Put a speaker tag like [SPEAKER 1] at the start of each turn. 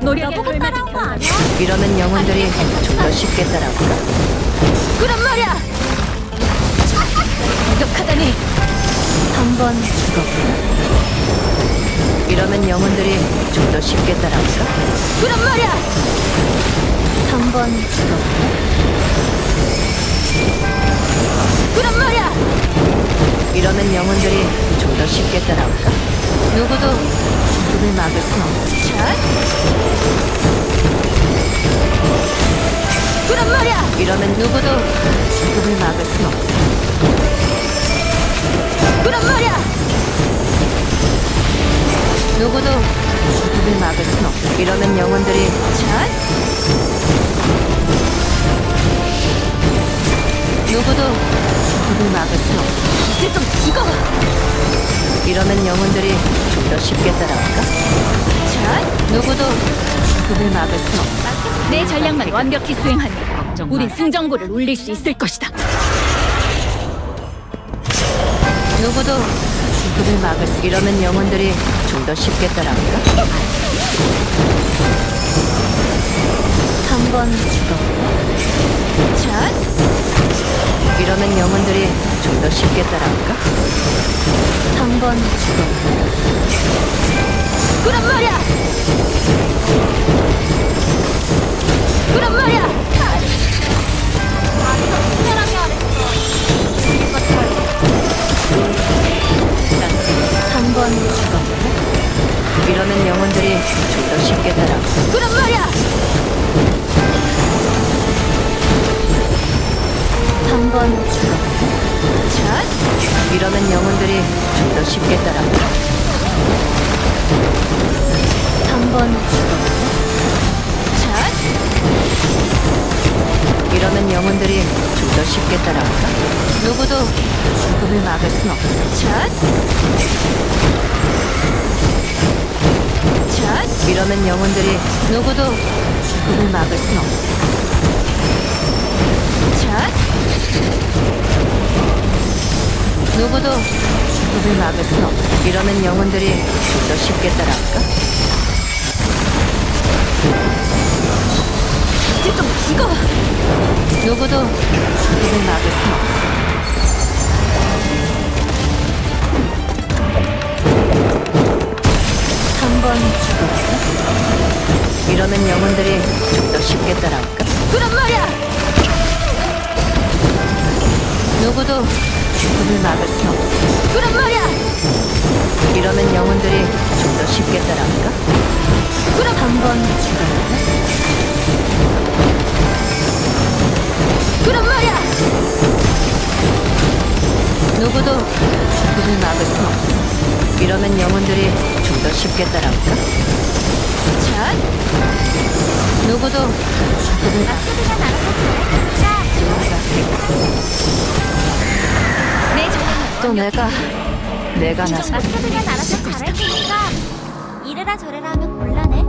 [SPEAKER 1] 나보고 따라온 거 아니야?
[SPEAKER 2] 이러면 영혼들이 좀 더 쉽게 따라올까?
[SPEAKER 1] 그런 말이야! 무력하다니!
[SPEAKER 2] 한번 죽었구나. 이러면 영혼들이 좀 더 쉽게 따라올까?
[SPEAKER 1] 그런 말이야!
[SPEAKER 2] 한번 죽었구나.
[SPEAKER 1] 그런 말이야!
[SPEAKER 2] 이러면 영혼들이 좀 더 쉽게 따라올까? 누구도 죽음을 막을 순 없지.
[SPEAKER 1] 자! 그런 말이야!
[SPEAKER 2] 이러면 누구도 죽음을 막을 순 없어.
[SPEAKER 1] 그런 말이야!
[SPEAKER 2] 누구도 죽음을 막을 순 없어. 이러면 영혼들이
[SPEAKER 1] 자!
[SPEAKER 2] 누구도 죽음을 막을 순 없어.
[SPEAKER 1] 이제 좀 죽어!
[SPEAKER 2] 이러면 영혼들이 좀 더 쉽게 따라올까?
[SPEAKER 1] 자!
[SPEAKER 2] 누구도 죽음을 막을 순 없어.
[SPEAKER 1] 내 전략만 완벽히 수행하면 우린 승전고를 울릴 수 있을 것이다.
[SPEAKER 2] 누구도 죽음을 막을 수. 이러면 영혼들이 좀 더 쉽게 따라올까? 한번 죽었고.
[SPEAKER 1] 자!
[SPEAKER 2] 이러면 영혼들이 좀 더 쉽게 따라올까? 한번 죽었고.
[SPEAKER 1] 그런 말이야! 그런 말이야!
[SPEAKER 2] 한번 죽었고. 이러면 영혼들이 좀 더 쉽게 따라올까?
[SPEAKER 1] 그런 말이야!
[SPEAKER 2] 한번 죽었고.
[SPEAKER 1] 자!
[SPEAKER 2] 이러면 영혼들이 좀 더 쉽게 따라올까? 한번 죽었고.
[SPEAKER 1] 자!
[SPEAKER 2] 이러면 영혼들이 좀 더 쉽게 따라올까? 누구도 죽음을 막을 순 없어.
[SPEAKER 1] 자! 자!
[SPEAKER 2] 이러면 영혼들이 누구도 죽음을 막을 순 없어.
[SPEAKER 1] 자!
[SPEAKER 2] 누구도 죽음을 막을 순 없어. 이러면 영혼들이 좀 더 쉽게 따라올까?
[SPEAKER 1] 이제 좀 죽어!
[SPEAKER 2] 누구도 죽음을 막을 순 없어. 한번 죽었고. 이러면 영혼들이 좀 더 쉽게 따라올까?
[SPEAKER 1] 그런 말이야!
[SPEAKER 2] 누구도 죽음을 막을 순 없어.
[SPEAKER 1] 그런 말이야!
[SPEAKER 2] 이러면 영혼들이 좀 더 쉽게 따라올까?
[SPEAKER 1] 그럼
[SPEAKER 2] 한번 죽었고.
[SPEAKER 1] 그런 말이야!
[SPEAKER 2] 누구도 죽음을 막을 순 없어. 이러면 영혼들이 좀 더 쉽게 따라올까?
[SPEAKER 1] 자!
[SPEAKER 2] 누구도 죽음을
[SPEAKER 1] 내 전략만
[SPEAKER 2] 또 내가 나서
[SPEAKER 1] 마스터들이 알아서 잘할 테니까 이래라 저래라 하면 곤란해.